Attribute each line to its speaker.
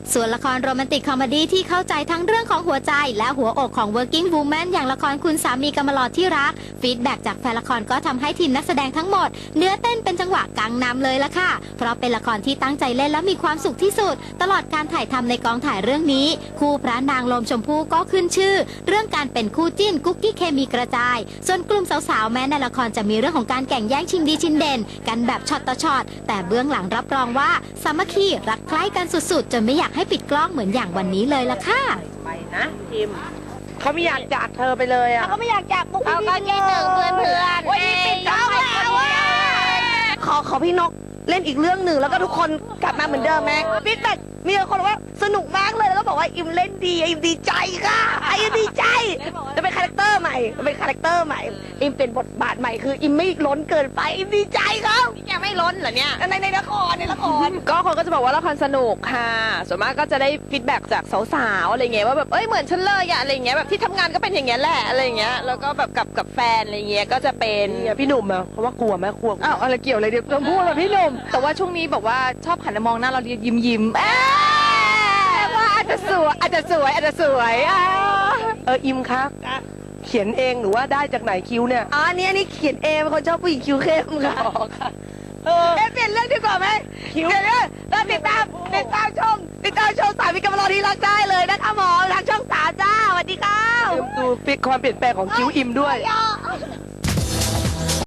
Speaker 1: ส่วนละครโรแมนติกคอมเมดี้ที่เข้าใจทั้งเรื่องของหัวใจและหัวอกของ working woman อย่างละครคุณสามีกำมะหลอดที่รักฟีดแบ็กจากแฟนละครก็ทำให้ทีมนักแสดงทั้งหมดเนื้อเต้นเป็นจังหวะกังนำเลยละค่ะเพราะเป็นละครที่ตั้งใจเล่นและมีความสุขที่สุดตลอดการถ่ายทำในกองถ่ายเรื่องนี้คู่พระนางลมชมพู่ก็ขึ้นชื่อเรื่องการเป็นคู่จิ้นกุ๊กกิ๊กเคมีกระจายส่วนกลุ่มสาวๆแม้ในละครจะมีเรื่องของการแข่งแย่งชิงดีชิงเด่นกันแบบช็อตต่อช็อตแต่เบื้องหลังรับรองว่าสามัคคีรักใคร่กันสุดๆจนไม่อยากให้ปิดกล้องเหมือนอย่างวันนี้เลยล่ะค่ะ
Speaker 2: ไปนะทีมเขาไม่อยากจากเธอไปเลยอ่ะ
Speaker 3: เขาไม่อยากจากพวกพี่
Speaker 4: เขาก็คิดถึงเพื่อนๆ
Speaker 3: วันนี้ปิดกล้องแล้วอ่ะขอพี่นกเล่นอีกเรื่องหนึ่งแล้วก็ทุกคนกลับมาเหมือนเดิมไหมฟีดแบ็กมีคนบอกว่าสนุกมากเลยแล้วก็บอกว่าอิมเล่นดีอิมดีใจค่ะอิมดีใจจะเป็นคาแรคเตอร์ใหม่เป็นคาแรคเตอร์ใหม่อิมเป็นบทบาทใหม่คืออิมไม่ล้นเกินไปอิมดีใจครับ
Speaker 4: ยังไม่ล้นเหรอเนี่ย
Speaker 3: ในละคร
Speaker 2: ก็คนก็จะบอกว่าละครสนุกค่ะส่วนมากก็จะได้ฟีดแบ็กจากสาวๆอะไรเงี้ยว่าแบบเอ้ยเหมือนฉันเลยอะอะไรเงี้ยแบบที่ทำงานก็เป็นอย่างเงี้ยแหละอะไรเงี้ยแล้วก็แบบกับแฟนอะไรเงี้ยก็จะเป็นพี่หนุ่มอะเพราะว่ากลัวแม่กลัวอ้าวอะไรเกี่ยวอะไรเดี๋ยวต้องพูดกับพี่หนุ่มแต่ว่าช่วงนี้บอกว่าชอบหันมามองหน้าเรายิ้มว่าอาจจะสวยอิมครับเขียนเองหรือว่าได้จากไหนคิ้วเนี่ย
Speaker 3: อันนี้เขียนเองเป็นคนชอบผู้หญิงคิ้วเข้มค่ะเปลี่ยนเรื่องดีกว่าไหมคิ้วเปลี่ยนเรื่องแล้วติดตามชมสามีกำมะหลอดที่รักได้เลยนะคะหมอทางช่อง3จ้าสวัสดีค่ะ
Speaker 2: ดูความเปลี่ยนแปลงของคิ้วอิมด้วย